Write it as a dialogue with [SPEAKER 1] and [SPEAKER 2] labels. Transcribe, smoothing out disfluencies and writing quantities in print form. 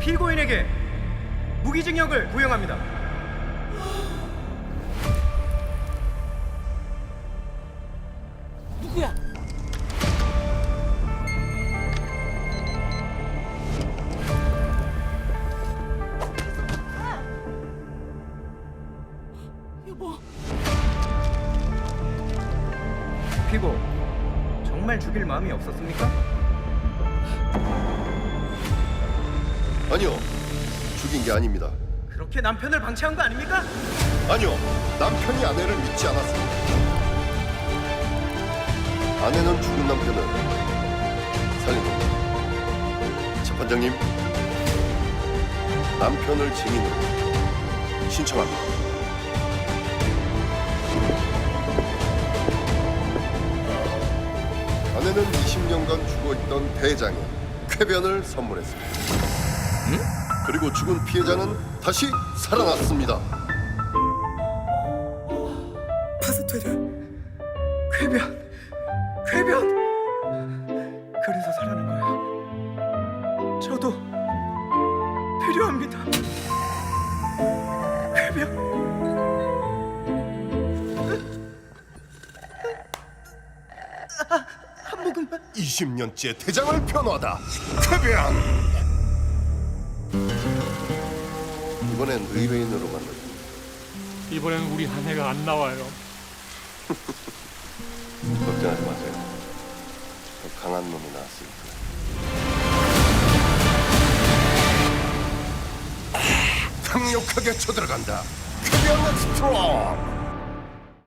[SPEAKER 1] 피고인에게 무기징역을 구형합니다.
[SPEAKER 2] 누구야? 여보.
[SPEAKER 1] 피고, 정말 죽일 마음이 없었습니까?
[SPEAKER 3] 아니요, 죽인 게 아닙니다.
[SPEAKER 1] 그렇게 남편을 방치한 거 아닙니까?
[SPEAKER 3] 아니요, 남편이 아내를 믿지 않았습니다. 아내는 죽은 남편을 살린 겁니다. 재판장님, 남편을 증인으로 신청합니다. 아내는 20년간 죽어있던 대장에 쾌변을 선물했습니다. 그리고 죽은 피해자는 다시 살아났습니다.
[SPEAKER 1] 파스텔은 쾌변. 그래서 살아난 거야. 저도 필요합니다. 쾌변. 한 모금만.
[SPEAKER 3] 20년째 대장을 변호하다 쾌변. 이번엔 의뢰인으로 만났습니다.
[SPEAKER 4] 이번엔 우리 아내가 안 나와요.
[SPEAKER 3] 걱정하지 마세요. 더 강한 놈이 나왔으니까. 강력하게 쳐들어간다. 쾌변 스트롱.